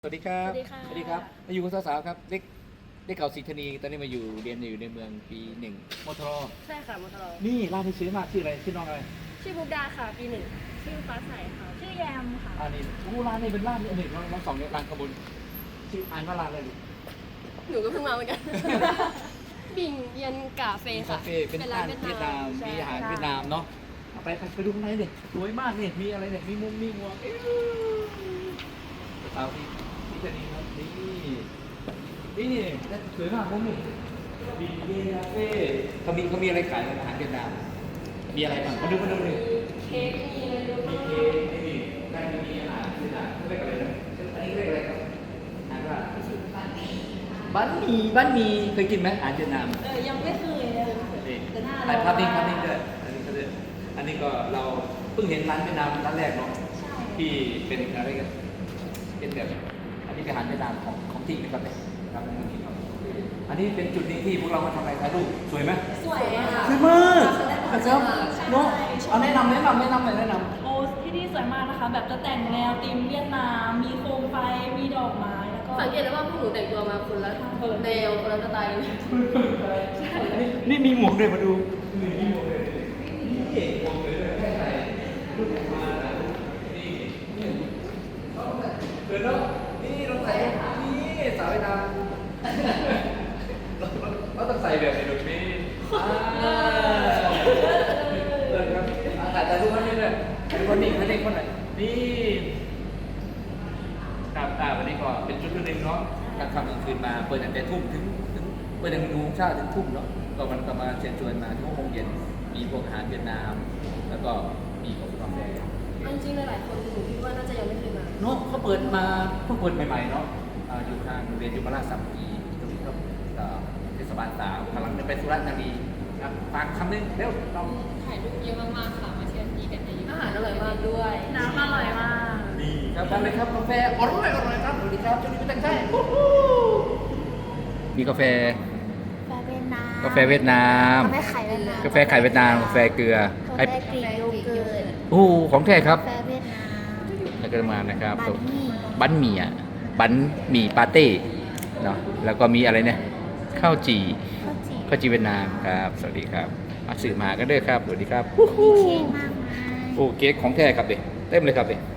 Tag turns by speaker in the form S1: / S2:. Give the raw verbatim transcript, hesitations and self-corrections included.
S1: สวัสดีครับ
S2: สวัสดีค่ะ
S1: สวัสดีครับมาอยู่กับสาวๆครับเด็กเด็กเก่าศรีธานีตอนนี้มาอยู่เรียนอยู่ในเมืองปีหนึ่งมทร
S2: ใช่ค่ะมอทร
S1: นี่ร้านที่ซื้อมากชื่ออะไรชื่อน้องอะไร
S2: ชื่อบุกดาค่ะปีหนึ่งชื่อฟ้าใสค่ะชื่อแยมค่ะ
S1: อ่านี่อู้ร้านนี้เป็นร้านนี่หนึ่งน้องสองเนี่ยร้านขบวนชื่ออ่านว่าร้านอะไรดิ
S2: หนูก็เพิ่งมาเหมือนกัน บิ่งเย็นกาเฟ่
S1: คา
S2: ค่ะ
S1: เฟ่เป็นร้านเวียดนามมีอาหารเวียดนามเนาะเอาไปไปไปดูข้างในดิสวยมากนี่มีอะไรเนี่ยมีมุมมีหมวกเอ้ยสาวที่ศรีธานีครับนี่นี่นี่สวยมากมุมนี่ดีเจคาเฟ่เขามีเขามีอะไรขายอาหารเวียดนามมีอะไรบ้างมาดูมาดูดิ
S2: เค้กมีอะไรดู
S1: มีเค้กมีได้มีอาหารที่ไหนเรียกอะไรนะอันนี้เรียกอะไรครับอ่านว่าบันหมี่บันหมี่เคยกินไหมอาหารเวียดนาม
S2: เออยังไม่เคยเลย
S1: นี่
S2: แต่หน้า
S1: ถ่ายภาพนิ่งภาพนิ่งด้วยอันนี้ก็ด้วยอันนี้ก็เราเพิ่งเห็นร้านเวียดนามร้านแรกเนาะที่เป็นอะไรกันเป็นแบบอันนี้เป็นอาหารเวียดนามของของจริงนะครับเนี่ยครับอันนี้เป็นจุดนี้ที่พวกเรามาทำอะไรถ่ายรูปสวยไหม
S2: สวยค่ะ
S1: สวยมากนะครับเนาะเอาแนะนำแนะนำแนะนำหน่อยแนะนำ
S3: โอ้ที่นี่สวยมากนะคะ แบบจะแต่งแนวธีมเวียดนาม มีโคมไฟ มีดอกไม้ แล้วก็
S2: สังเกตได้ว่าพวกหนูแต่งตัวมาคนละแนวคนละสไตล์เลย
S1: นี่มีหมวกด้วยมาดูนี่มีหมวกเลยนี่หมวกเลยแค่ไหนรูปมานี่นี่เดินเนาะนี่เราใส่นี่สาวไอ้ดำเราต้องใส่แบบในดนตรีอ่าเออครับถ่ายถ่ายรูปให้ด้วยดูคนนี้คนนี้คนไหนนี่ครับอ่าวันนี้ก็เป็นชุดหนึ่งเนาะการทำกลางคืนมาเปิดตั้งแต่ทุ่มถึงถึงเปิดตั้งแต่หนึ่งโมงเช้าถึงทุ่มเนาะก็มันก็มาเชิญชวนมาที่หกโมงเย็นมีพวกอาหารเวียดนาม แล้วก็มีพวกกาแฟ
S2: จริงๆหลายๆคนหนูคิดว่าน่าจะยังไม่เคยมา
S1: เนาะเขาเปิดมาเพิ่งเปิดใหม่ๆเนาะอ่าอยู่ทางโรงเรียนยุพราชสามัคคีตรงนี้ครับอ่าเทศบาลสามกำลังจะไปสุราษฎร์ธานีครับฝากคำนึงเร็วต้อง
S2: ถ่ายรูปเยอะมากๆค่ะมาเที่ยวที่กันเยอะอาหารอร่อยมากด้วย
S3: น้ำอร่อยมาก
S1: ดีครับทานเลยครับกาแฟอร่อยอร่อยครับสวัสดีครับช่วงนี้ไม่ตั้งใจมีกาแฟ
S3: กาแฟเวียดนาม
S1: กาแฟเวียดนาม
S3: กาแฟไข่เวียดนาม
S1: กาแฟไข่เวียดนามกาแฟเกลือก
S3: า
S1: ไอ้
S3: แฟกรีกโยเกิร์ต
S1: โอ้ของแท้ครับ
S3: กาแฟเวียดนาม
S1: แล้วก็มานะครับ
S3: บันหมี่
S1: บันหมี่อ่ะบันหมี่ปาเต้เนาะแล้วก็มีอะไรเนี่ยข้าวจี่
S3: ข้าวจี่
S1: ข้าวจีเวียดนามครับสวัสดีครับมาสื่อมากันเด้อครับสวัสดีครับ
S3: มีเค้กมากมาย
S1: โอ้เค้กของแท้ครับเด็กเต็มเลยครับเด็ก